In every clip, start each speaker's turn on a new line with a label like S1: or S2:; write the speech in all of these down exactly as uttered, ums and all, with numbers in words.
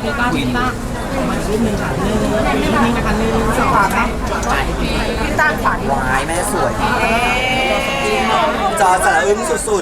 S1: พี่ต้าพี่ต้ามารูปหนึ่งค่ะหนึ่งรูปนี้นะคะหนึ่งสองสามพี่ต้าขวาดี
S2: วายแม่สวยจอสระอึ้งสุด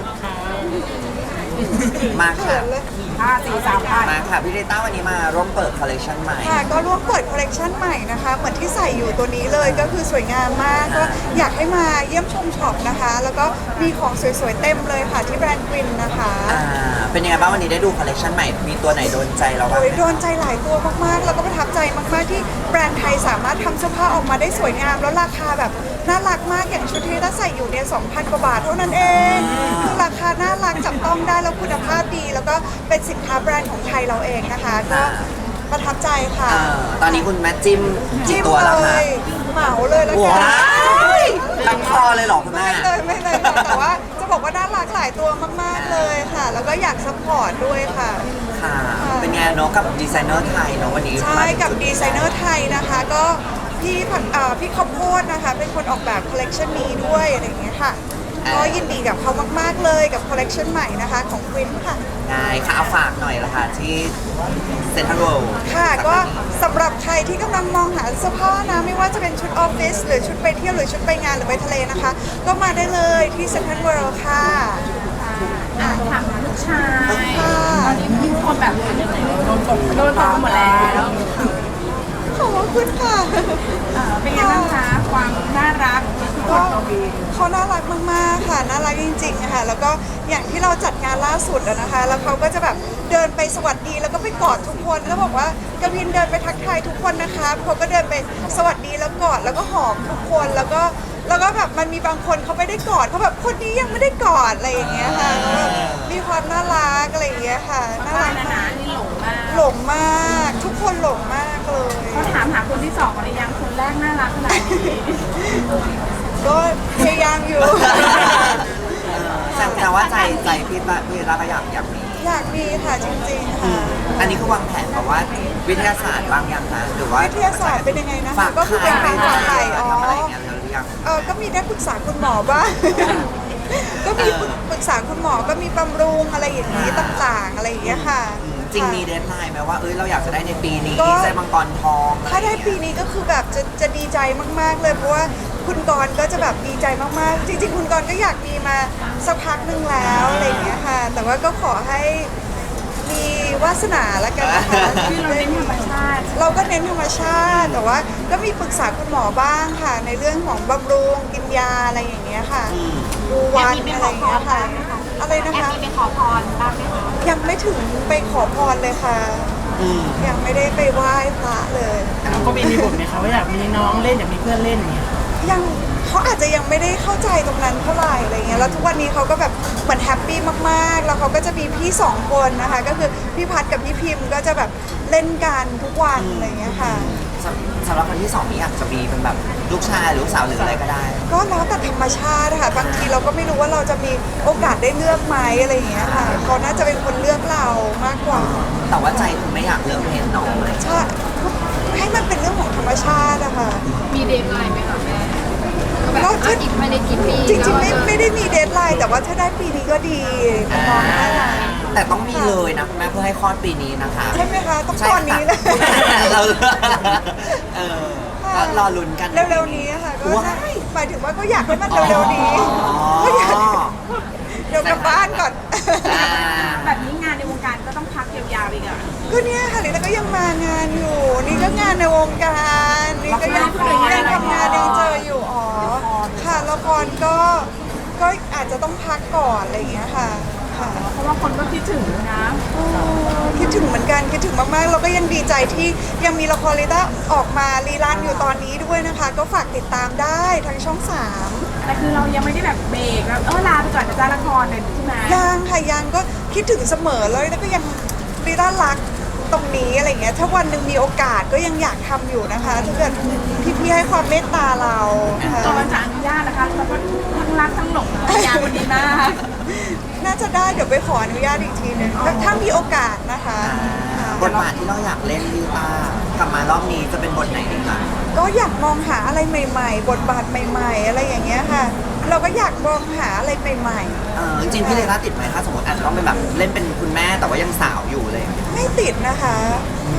S2: ๆ มาค่ะ
S1: ห้าสี่สามห้า
S2: มาค่ะ พี่เดต้าวันนี้มาร่วมเปิดคอลเลคชันใหม่
S3: ค่ะก็ร่วมเปิดคอลเลกชันใหม่นะคะเหมือนที่ใส่อยู่ตัวนี้เลยก็คือสวยงามมากก็อยากให้มาเยี่ยมชมช็อปนะคะ แล้วก็มีของสวยๆเต็มเลยค่ะที่แบรนด์กวินนะคะ
S2: อ่า เป็นยังไงบ้างวันนี้ได้ดูคอลเลคชันใหม่ มีตัวไหนโดนใจเราบ้าง
S3: โอ้ย
S2: ไหม
S3: โดนใจหลายตัวมากๆ แล้วก็ประทับใจมากๆที่แบรนด์ไทยสามารถทำเสื้อผ้าออกมาได้สวยงาม แล้วราคาแบบน่ารักมากอย่างชุดที่เราใส่อยู่เนี่ยสองพันกว่าบาทเท่านั้นเองคือราคาน่ารักจับต้องได้แล้วคุณภาพดี แล้วก็เป็นสินค้าแบรนด์ของไทยเราเองนะคะก็ประทับใจค่ะ
S2: อ่าตอนนี้คุณแม่จิ้มกี่
S3: จิ้ม
S2: ตัว
S3: เล
S2: แล้วคะ
S3: ยเหมาเลยแล้วกั
S2: ว้ายทั้งคอเลยเหรอคุณแม่
S3: ไม่เลยไม่เลยค่ะแต่ว่าจะบอกว่าน่ารักหลายตัวมากๆเลยค่ะ แล้วก็อยากซัพพอร์ตด้วยค่ะ
S2: ค่ะ เป็นไงเนาะกับดีไซเนอร์ไทยเนาะวันนี้
S3: ใช่กับดีไซเนอร์ไทยนะคะก็พี่ผักเอ่อพี่ข้าวโพดนะคะ เป็นคนออกแบบคอลเลกชันนี้ด้วยอะไรอย่างเงี้ยค่ะก็ยินดีกับเขามากๆเลยกับคอลเลกชันใหม่นะคะของควินค่ะ
S2: ได้ค่ะเอาฝากหน่อยละค่ะที่เซ็นทรัลเวิลด์
S3: ค่ะก็สำหรับใครที่กำลังมองหาเสื้อผ้านะไม่ว่าจะเป็นชุดออฟฟิศหรือชุดไปเที่ยวหรือชุดไปงานหรือไปทะเลนะคะ ก็มาได้เลยที่เซ็นทรัลเวิลด์ค่ะ
S1: อ่ะถามลูกชาย
S3: ค่ะ
S1: ตอนนี้มีคนแบบโดนตกโดนตกหมดแล้ว
S3: ขอบคุณค่ะ
S1: เออเป็นไงบ้างคะความน่ารักข
S3: ก็
S1: องตัววี
S3: เขาน่ารักมากๆค่ะน่ารักจริงๆค่ะแล้วก็อย่างที่เราจัดงานล่าสุดอะนะคะ แล้วเขาก็จะแบบเดินไปสวัสดีแล้วก็ไปกอดทุกคนแล้วบอกว่ากวินเดินไปทักทายทุกคนนะคะเขาก็เดินไปสวัสดีแล้วกอดแล้วก็หอมทุกคนแล้วก็แล้วก็แบบมันมีบางคนเขาไม่ได้กอดเขาแบบคนนี้ยังไม่ได้กอดอะไรอย่างเงี้ยค่ะแล้วแบบมีความน่ารักอะไรอย่างเงี้ยค่ะน่า
S1: ป้า
S3: รัก
S1: นา
S3: มา
S1: นาก นี่หลงมาก
S3: หลงมากทุกคนหลงมากเลย
S1: เขาถามหาคนที่สองหรือยังคนแรกน่ารักขนาดนี้
S3: ก็พยายามอยู่
S2: แสดงว่าใจใจพี่ตาพี่ตาก็อยากอยากมี
S3: อยากมีค่ะจริงๆค่ะ
S2: อันนี้คือวางแผนแบบว่าวิทยาศาสตร์บ้างยังคะหรือว่า
S3: วิทยาศาสตร์เป็นยังไงนะคะ
S2: ฝาก
S3: ก็คือเป็น
S2: ไข่
S3: การฝากไข่
S2: ท
S3: อ๋อ
S2: ำอะไรอย่างเงี้ยแล้วหรือยัง
S3: เออก็มีได้ปรึกษาคุณหมอบ้าง ก็มีปรึกษาคุณหมอก็มีบำรุงอะไรอย่างนี้ต่างๆ อะไรอย่างเงี้ยค่ะ
S2: จริงมี
S3: ค่ะ
S2: เดทไลน์ไหมว่าเอ้ยเราอยากจะได้ในปีนี้
S3: ก็
S2: ได้มังกรทอง
S3: ถ้าได้ปีนี้ก็คือแบบจะจะดีใจมากๆเลยเพราะว่าคุณกรณ์ก็จะแบบดีใจมากๆ จริงๆ คุณกรณ์ก็อยากมีมาสักพักหนึ่งแล้วอะไรอย่างเงี้ยค่ะ แต่ว่าก็ขอให้มีวาสนาละกันนะคะ
S1: ที่เราเน้นธรรมชาติ
S3: เราก็เน้นธรรมชาติ แต่ว่าก็มีปรึกษาคุณหมอบ้างค่ะ ในเรื่องของบำรุงกินยาอะไรอย่างเงี้ยค่ะ ดูวันอะไรอย่างเงี้ยค่ะ อะไรนะคะ
S1: มีไปขอพรบ้างไหมคะ
S3: ยังไม่ถึงไปขอพรเลยค่ะ
S2: อืม
S3: ยังไม่ได้ไปไหว้พระเลย
S4: ก็มีมีบทไหมคะว่าอยากมีน้องเล่นอยากมีเพื่อนเล่นอย่างเงี้ย
S3: ยังเขาอาจจะยังไม่ได้เข้าใจตรงนั้นเท่าไหร่อะไรเงี้ยแล้วทุกวันนี้เขาก็แบบเหมือนแฮปปี้มากๆ แล้วเขาก็จะมีพี่สองคนนะคะ ก็คือพี่พัดกับพี่พิมพ์ก็จะแบบเล่นกันทุกวันอะไรเงี้ยค่ะ
S2: สำสำหรับคนที่สองนี้อยากจะมีเป็นแบบลูกชายหรือลูกสาวหรืออะไรก็ได้
S3: ก็แล้วแต่ธรรมชาติค่ะบางทีเราก็ไม่รู้ว่าเราจะมีโอกาสได้เลือกไหมอะไรอย่างเงี้ยค่ะเขาน่าจะเป็นคนเลือกเรามากกว่า
S2: แต่ว่าใจคุณไม่อยากเลิกเพลงน้องเลย
S3: ใช่ให้มันเป็นเรื่องของธรรมชาติอะค่ะ
S1: มีเดทไลน์ไหมคะแม่แบบ
S3: ก็
S1: อ่ะอีกภายในกี่ปี
S3: จริงๆไม่ไม่ได้มีเดทไลน์แต่ว่าถ้าได้ปีนี้ก็ดีน้องๆน่ารัก
S2: แต่ต้องมีเลยนะคุณแม่เพื่อให้คลอดปีนี้นะคะ
S3: ใช่ไหมคะต้อง
S2: ใช่
S3: ตอนนี้เลย
S2: ค่ะเราเออก็รอลุ้นกัน
S3: เร็วๆนี้ค่ะก็
S2: ว้า
S3: ใช่
S2: ย
S3: หมายถึงว่าก็อยากให้มันเร็วๆนี้
S2: อ๋อ
S3: ก็อยากเดี๋ยวกลับบ้านก่อน
S2: อ่า
S1: แบบนี้งานในวงการก็ต้องพักยาวๆอีกอ่ะ
S3: ก็เนี่ยค่ะลิต้าก็ยังมางานอยู่ นี่ก็งานในวงการนี่ก็ยัง
S1: ละคร
S3: ยังทำงานยังเจออยู่อ๋อค่ะละครก็ก็อาจจะต้องพักก่อนอะไรอย่างเงี้ยค่ะค่ะ
S1: เพราะว่าคนก็คิดถึงนะ
S3: โอ้คิดถึงเหมือนกันคิดถึงมากๆเราก็ยังดีใจที่ยังมีละครลิต้าออกมารีรันอยู่ตอนนี้ด้วยนะคะ ก็ฝากติดตามได้ทางช่องสาม
S1: แต่คือเรายังไม่ได้แบบเบรกแล้วเออลาไปก่อนนะจ๊ะละครเลยใช่ไหม
S3: ยังค่ะยังก็คิดถึงเสมอเลยแล้วก็ยังลิต้ารักตรงนี้อะไรเงี้ยถ้าวันหนึ่งมีโอกาสก็ยังอยากทำอยู่นะคะถ้าเกิดพี่ๆให้ความเมตตาเราค่ะ
S1: ตอนจะอนุญาตนะคะแล้วก็ทั้งรักทั้งหลงภรรยาคนนี้มาก
S3: น่าจะได้เดี๋ยวไปขออนุญาตอีกทีหนึงถ้าถ้ามีโอกาสนะคะค่ะ
S2: บทบาทที่เราอยากเล่นพี่ตากลับมารอบนี้จะเป็นบทไหนดีคะ
S3: ก็อยากมองหาอะไรใหม่ ๆ บทบาทใหม่ ๆ อะไรอย่างเงี้ยค่ะ เราก็อยากมองหาอะไรใหม่
S2: เออจริงๆพี่เลต้าติดไหมถ้าสมมติอาจจะต้องเป็นแบบเล่นเป็นคุณแม่แต่ว่ายังสาวอยู่เลย
S3: ๆ ไม่ติดนะคะใช่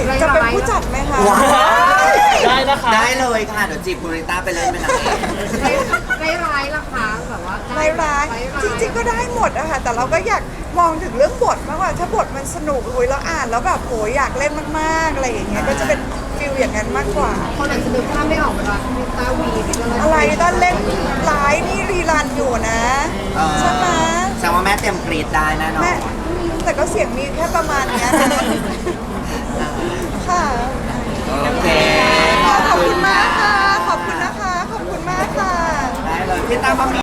S3: จะเป็นผู้จัดไหมคะ
S2: ว้าว
S4: ได้นะคะ
S2: ได้เลยค่ะเดี๋ยวจีบคุณริต้าไปเล่นเป็นนางเอก
S5: ร้ายร้ายๆล่ะคะแบบว่า
S3: ร้ายร้ายจริงๆก็ได้หมดอะค่ะแต่เราก็อยากมองถึงเรื่องบทมากกว่าถ้าบทมันสนุกหุยเราอ่านแล้วแบบโหอยากเล่นมากๆอะไรอย่างเงี้ยก็จะเป็นฟิลอย่างนั้นมากกว่า
S5: คนอาจจะนึกภาพไม่ออกเวลาพี่ตาวีพี่ก็เลย
S3: อะไรตอนเล่นร้ายนี่รีรันอยู่นะ
S2: เออ
S3: ใช่ไหม
S2: แสดงว่าแม่เตรียมกรีดได้แน่นอน
S3: แม่แต่ก็เสียงมีแค่ประมาณเนี้ยนะค่ะ
S2: โอเค
S3: ขอบคุณมากค่ะ ขอบคุณนะคะ ขอบคุณมากค่ะ
S2: ได้เลยพี่ตาบะหมี่